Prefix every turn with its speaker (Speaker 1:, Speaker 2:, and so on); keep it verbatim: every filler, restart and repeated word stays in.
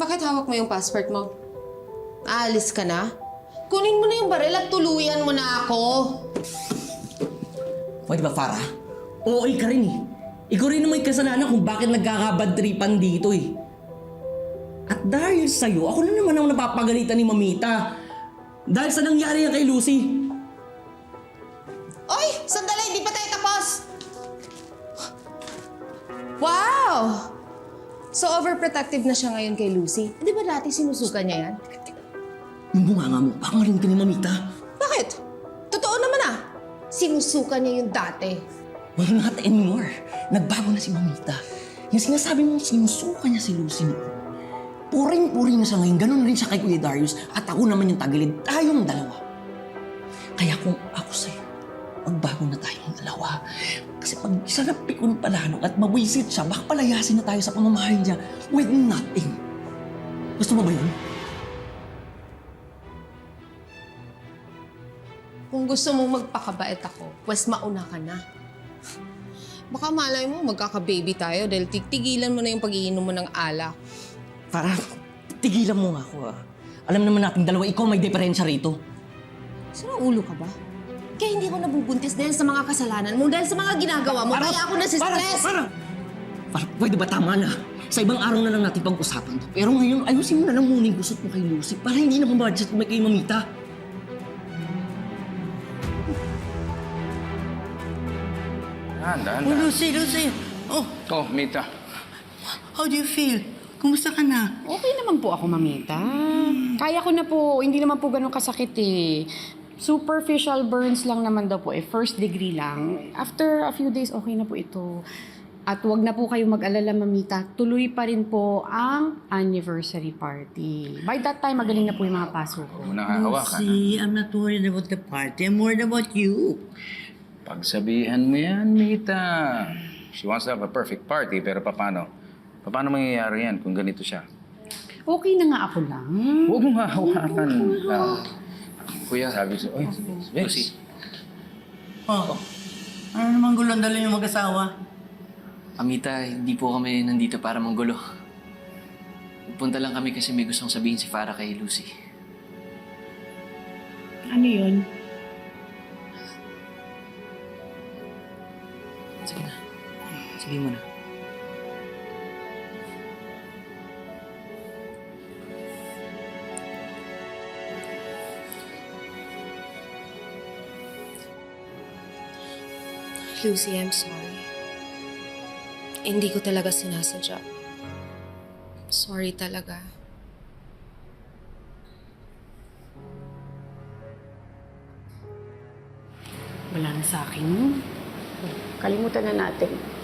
Speaker 1: Bakit hawak mo yung passport mo? Aalis ka na? Kunin mo na yung baril at tuluyan mo na ako.
Speaker 2: Pwede ba, Farah? Okay ka rin eh. Ikaw rin naman may kasalanan kung bakit nagkakabad tripan dito eh. At dahil sa'yo, ako na naman ang napapagalitan ni Mamita. Dahil sa nangyari yan kay Lucy.
Speaker 1: Oy! Sandali! Hindi pa tayo tapos! Wow! So overprotective na siya ngayon kay Lucy. Di ba dati sinusuka niya yan?
Speaker 2: Yung bunganga mo, baka marinig ka ni Mamita.
Speaker 1: Bakit? Totoo naman ah. Sinusuka niya yung dati.
Speaker 2: Well, not anymore. Nagbago na si Mamita. Yung sinasabi mong sinusuka niya si Lucy noon. Puring-puri na siya ngayon. Ganun rin siya kay Kuya Darius. At ako naman yung tagilid. Tayong dalawa. Kaya kung ako sa'yo, magbago na tayong dalawa. Kasi pag isa na pikon palalo at mawisit siya, baka palayasin na tayo sa pamamahay niya with nothing. Gusto mo ba yun?
Speaker 1: Kung gusto mong magpakabait ako, pues mauna ka na. Baka malay mo, magkaka-baby tayo dahil tigtigilan mo na yung pag-iinom mo ng alak.
Speaker 2: Para tigilan mo nga ako ah. Alam naman natin dalawa, ikaw may diferensya rito.
Speaker 1: Sino ulo ka ba? Kaya hindi ako nabubuntis dahil sa mga kasalanan mo, dahil sa mga ginagawa mo, kaya ako nasistress.
Speaker 2: Para, para, pwede ba tama na? Sa ibang araw na lang natin pag-usapan to. Pero ngayon, ayusin mo na lang muna yung gusot mo kay Lucy para hindi na mabudget mo kay Mamita.
Speaker 3: Dahan, dahan,
Speaker 4: Oh,
Speaker 3: dahan.
Speaker 4: Lucy, Lucy. Oh,
Speaker 3: Oh, Mita.
Speaker 4: how do you feel? Kumusta ka na?
Speaker 5: Okay naman po ako, Mamita. Kaya ko na po, hindi naman po ganun kasakit eh. Superficial burns lang naman daw po eh, first degree lang. After a few days, okay na po ito. At wag na po kayo mag-alala, Mamita. Tuloy pa rin po ang anniversary party. By that time, magaling na po yung mga pasok ko.
Speaker 3: Huwag mo nang hahawakan.
Speaker 4: Lucy, I'm not worried about the party. I'm worried about you.
Speaker 3: Pagsabihan mo yan, Mita. She wants to have a perfect party, pero paano? Paano mangyayari yan kung ganito siya?
Speaker 5: Okay na nga ako lang.
Speaker 3: Huwag mong hahawakan. Uh, kuya, sabi ko, oy, Lucy.
Speaker 4: Oh, ano naman gulong dala yung mag-asawa?
Speaker 6: Amita, hindi po kami nandito para manggulo. Punta lang kami kasi may gustong sabihin si Farah kay Lucy.
Speaker 5: Ano yun?
Speaker 6: Sige na. Sabihin mo na.
Speaker 1: Lucy, I'm sorry. Hindi ko talaga sinasadya. Sorry talaga.
Speaker 5: Wala na sa akin. Kalimutan na natin.